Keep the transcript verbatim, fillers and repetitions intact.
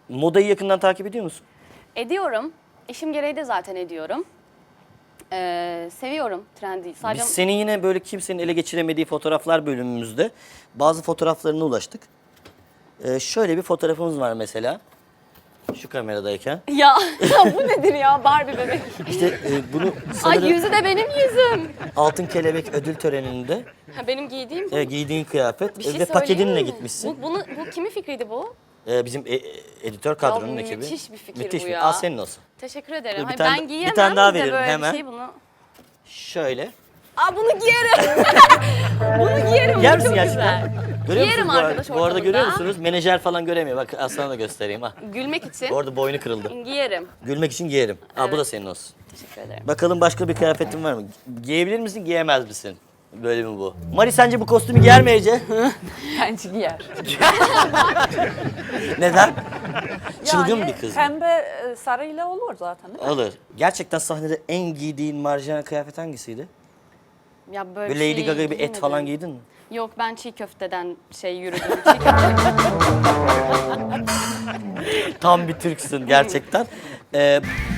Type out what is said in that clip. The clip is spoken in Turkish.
Modayı yakından takip ediyor musun? Ediyorum. İşim gereği de zaten ediyorum. Ee, seviyorum trendi. Sadece Biz senin yine böyle kimsenin ele geçiremediği fotoğraflar bölümümüzde bazı fotoğraflarına ulaştık. Ee, şöyle bir fotoğrafımız var mesela. Şu kameradayken. ya, ya bu nedir ya Barbie bebek? İşte e, bunu Ay sanırım yüzü de benim yüzüm. Altın Kelebek ödül töreninde Ha, benim giydiğim bu. e, giydiğin kıyafet Bir şey ve paketinle söyleyeyim mi? gitmişsin. Bu, bunu, bu kimin fikriydi bu? E, bizim e, e, editör kadronun Ya, ekibi. müthiş bir fikir Müthiş bu bir- ya. Al senin olsun. Teşekkür ederim. Dur, bir Hayır, tane- ben bir giyemem tane daha de veririm, böyle hemen. bir şey bunu. Şöyle. Aa bunu giyerim. bunu giyerim. Yer bu misin çok gerçekten? güzel. Görüyor Giyerim musunuz bu, ar- arkadaş bu arada ortamında. görüyor musunuz? Menajer falan göremiyor. Bak Aslan'a da göstereyim ha. Gülmek için Orada boynu kırıldı. giyerim. Gülmek için giyerim. Aa, bu da senin olsun. Teşekkür ederim. Bakalım başka bir kıyafetin var mı? Giyebilir misin, giyemez misin? Böyle mi bu? Mari sence bu kostümü giyer mi Ece? Bence giyer. Neden? Çılgın Yani bir kız. Pembe e, sarıyla olur zaten değil mi? Alır. Gerçekten sahnede en giydiğin marjinal kıyafet hangisiydi? Ya böyle Böyle Lady şey Gaga gibi et giymedim. falan giydin mi? Yok ben çiğ köfteden şey yürüdüm. Çiğ köfte. Tam bir Türksün gerçekten. Ee,